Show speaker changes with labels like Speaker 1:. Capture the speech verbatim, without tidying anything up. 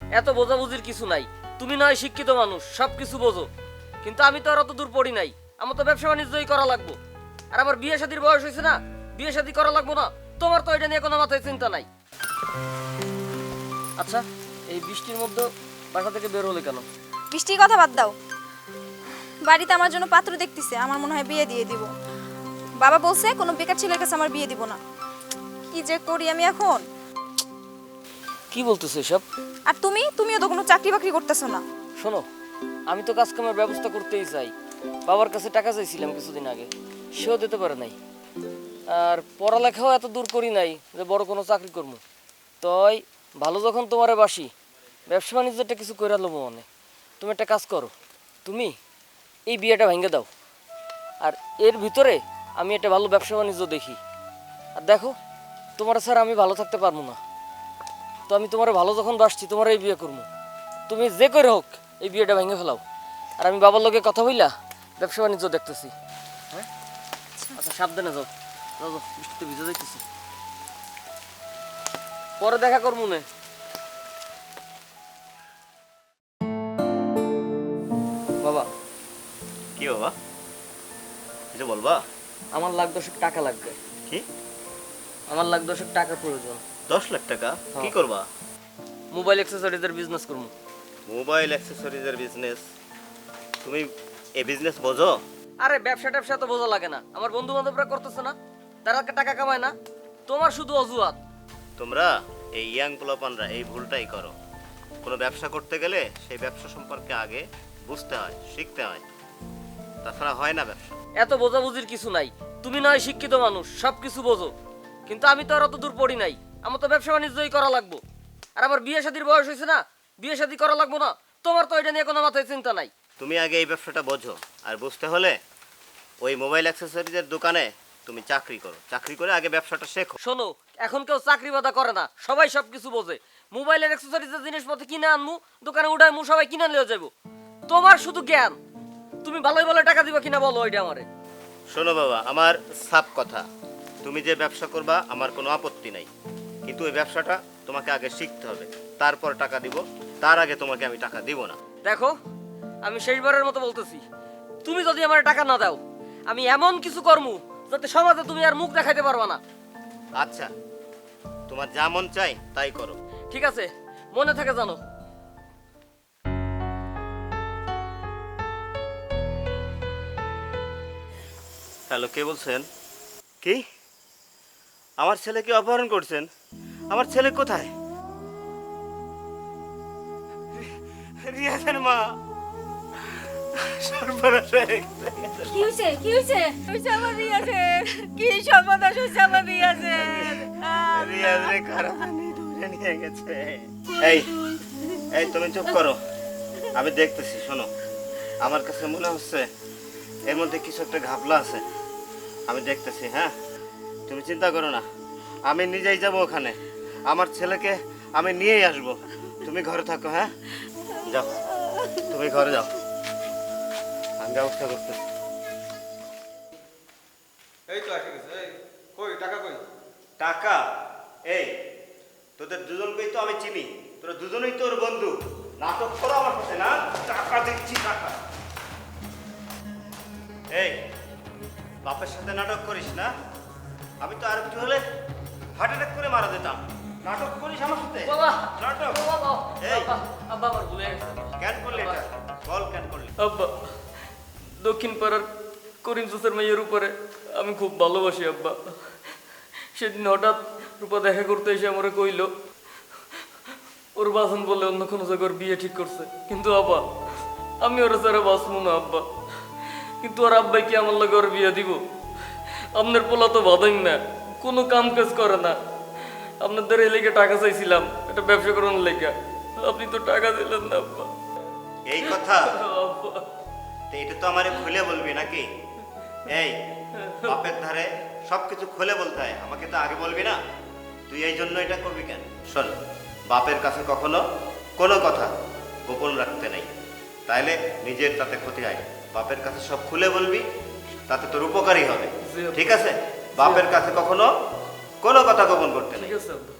Speaker 1: এত বোঝাবুঝির কিছু নাই। তুমি নয় শিক্ষিত মানুষ, সব কিছু বোঝো, কিন্তু আমি তো আর অত দূর পড়ি নাই। আমার তো ব্যবসা বাণিজ্যই করা লাগবো। আর আমার বিয়ে শাদীর বয়স হয়েছে না, বিয়ে শাদী করা লাগবো না? তোমার তো এটা নিয়ে কোনো মাথায় চিন্তা নাই। আচ্ছা, এই বৃষ্টির মধ্যে বাসা থেকে বের হলে কেন?
Speaker 2: বৃষ্টির কথা বাদ দাও, বাড়িতে আমার জন্য পাত্র দেখতেছে, আমার মনে হয় বিয়ে দিয়ে দিব। বাবা বলছে কোনো বেকার ছেলের কাছে আমার বিয়ে দিব না। কি যে করি আমি এখন।
Speaker 1: কি বলতেছো এসব?
Speaker 2: আর তুমি তুমিও তো কোনো চাকরি বাকরি করতেছো না।
Speaker 1: শোনো, আমি তো কাজ কামের ব্যবস্থা করতেই চাই। বাবার কাছে টাকা চাইছিলাম কিছুদিন আগে, সেও দিতে পারে নাই। আর পড়ালেখাও এত দূর করি নাই যে বড় কোনো চাকরি করবো। তাই ভালো যখন তোমারে বাসি, ব্যবসা বাণিজ্যটা কিছু করে নেবো মনে। তুমি একটা কাজ করো, তুমি এই বিয়েটা ভেঙে দাও, আর এর ভিতরে আমি একটা ভালো ব্যবসা বাণিজ্য দেখি। আর দেখো, তোমার স্যার আমি ভালো থাকতে পারবো না, তো আমি তোমার ভালো যখন বাসছি তোমার এই বিয়ে করবো। তুমি যে করে হোক এই বিয়েটা ভেঙে ফেলাও, আর আমি বাবার লোকে কথা বইলা ব্যবসা বাণিজ্য দেখতেছি। হ্যাঁ, আচ্ছা সাবধানে যাও, যাও যাও, বৃষ্টিতে ভিজে যাইতেছি। পরে দেখা করবো নে। বাবা।
Speaker 3: কি বাবা, কিছু বলবা?
Speaker 1: আমার লাখ দশেক টাকা লাগবে।
Speaker 3: কি?
Speaker 1: আমার লাখ দশেক টাকা প্রয়োজন।
Speaker 3: দশ লাখ টাকা? কি করবা?
Speaker 1: মোবাইল অ্যাক্সেসরিজের বিজনেস করবো।
Speaker 3: মোবাইল অ্যাক্সেসরিজের বিজনেস? তুমি এই বিজনেস বোঝো?
Speaker 1: আরে ব্যবসা ট্যাবসা তো বোঝা লাগে না, আমার বন্ধু বান্ধবরা করতেছে না, তারা টাকা কামায় না, তোমার শুধু অজুহাত।
Speaker 3: তোমরা এই ইয়াং পোলাপানরা এই ভুলটাই করো। কোনো ব্যবসা করতে গেলে সেই ব্যবসা সম্পর্কে আগে বুঝতে হয়, শিখতে হয়, তাছাড়া হয় না ব্যবসা।
Speaker 1: এত বোঝাবুঝির কিছু নাই। তুমি নয় শিক্ষিত মানুষ, সব কিছু বোঝো, কিন্তু আমি তো আর অত দূর পড়ি নাই। আমার তো ব্যবসা বাণিজ্যই করা লাগবো। আর আমার বিয়ে শাদীর বয়স হয়েছে না, বিয়ে শাদী করা লাগবো না? তোমার তো এটা নিয়ে কোনো মাথায় চিন্তা নাই।
Speaker 3: তুমি আগে এই ব্যবসাটা বোঝো, আর বুঝতে হলে ওই মোবাইল অ্যাক্সেসরিজের দোকানে তুমি চাকরি করো, চাকরি করে আগে ব্যবসাটা শেখো।
Speaker 1: শোনো, এখন কেউ চাকরি বাদা করে না, সবাই সব কিছু বোঝে। মোবাইলের অ্যাক্সেসরিজের জিনিসপত্র কিনে আনমু, দোকানে উঠাইমু, সবাই কিনে নিয়ে যাবো। তোমার শুধু জ্ঞান, তুমি ভালোই ভালো টাকা দিবা কিনা বলো ওইটা আমারে।
Speaker 3: শোনো বাবা, আমার সাপ কথা, তুমি যে ব্যবসা করবা আমার কোনো আপত্তি নাই, কিন্তু ওই ব্যবসাটা তোমাকে আগে শিখতে হবে, তারপর টাকা দিব। তার আগে তোমাকে আমি টাকা দিব না।
Speaker 1: দেখো, আমি শেষবারের মতো বলতেছি, তুমি যদি আমার টাকা না দাও, আমি এমন কিছু কর্ম যাতে সমাজে তুমি আর মুখ দেখাইতে পারবা না।
Speaker 3: আচ্ছা, তোমার যা মন চাই তাই করো।
Speaker 1: ঠিক আছে, মনে থাকে জানো।
Speaker 3: হ্যালো, কে বলছেন? কি? আমার ছেলেকে অপহরণ করছেন? আমার ছেলে কোথায়? রিয়াজের মা। সর্বনাশ হয়ে গেছে।
Speaker 2: কি হইছে কি হইছে হইছে আমার রিয়াজের? কি সর্বনাশ হইছে আমার রিয়াজের?
Speaker 3: রিয়াজ রে কারানি ধরে নিয়ে গেছে। এই এই তুমি চুপ করো, আমি দেখতেছি। শোনো, আমার কাছে মনে হচ্ছে এর মধ্যে কিছু একটা ঘাপলা আছে, আমি দেখতেছি। হ্যাঁ, তুমি চিন্তা করো না, আমি নিজেই যাব ওখানে, আমার ছেলেকে আমি নিয়েই আসবো। তুমি ঘরে থাকো। হ্যাঁ, যাও, তুমি ঘরে যাও, আমি ব্যবস্থা করতেছি।
Speaker 4: এই তো এসে গেছে। এই কই টাকা কই?
Speaker 3: টাকা? এই তোদের দুজনকেই তো আমি চিনি, তোরা দুজনেই তোর বন্ধু। নাটক করো আমার সাথে না? টাকা দিচ্ছি, টাকা। এই বাপের সাথে নাটক করিস না? আমি তো আর একটু হলে হার্ট অ্যাটাক করে মারা দিতাম। নাটক করিস আমার সাথে?
Speaker 1: বাবা,
Speaker 3: নাটক?
Speaker 1: বাবা,
Speaker 3: এই
Speaker 1: আব্বা আমার ভুলে গেছে।
Speaker 3: কেন করলি এটা? বল কেন করলি?
Speaker 1: আব্বা, দক্ষিণ পাড়ার করিম জোসের মেয়ের উপরে আমি খুব ভালোবাসি আব্বা। সেদিন হঠাৎ রূপা দেখা করতে এসে আমারে কইল ওর বাসন বলে অন্য কোনো জায়গায় বিয়ে ঠিক করছে, কিন্তু আব্বা আমি ওরা ছাড়া বাঁচবো না আব্বা। কিন্তু ওর আব্বাই কি আমার লাগে ওর বিয়ে দিব? আপনার পোলা তো বাঁধেন না, কোনো কাম কাজ করে না। আপনাদের এই লেগে টাকা চাইছিলাম একটা ব্যবসা করানোর লেগে, আপনি তো টাকা দিলেন না আব্বা।
Speaker 3: এই কথা?
Speaker 1: আব্বা,
Speaker 3: তো এটা তো আমারে খুলে বলবি নাকি? এই বাপের ধারে সবকিছু খুলে বলতে হয়, আমাকে তো আগে বলবি না? তুই এই জন্য এটা করবি কেন? শোন, বাপের কাছে কখনো কোনো কথা গোপন রাখতে নেই, তাইলে নিজের তাতে ক্ষতি হয়। বাপের কাছে সব খুলে বলবি, তাতে তোর উপকারই হবে। ঠিক আছে? বাপের কাছে কখনো কোনো কথা গোপন করতে নেই।
Speaker 1: ঠিক আছে আব্বা।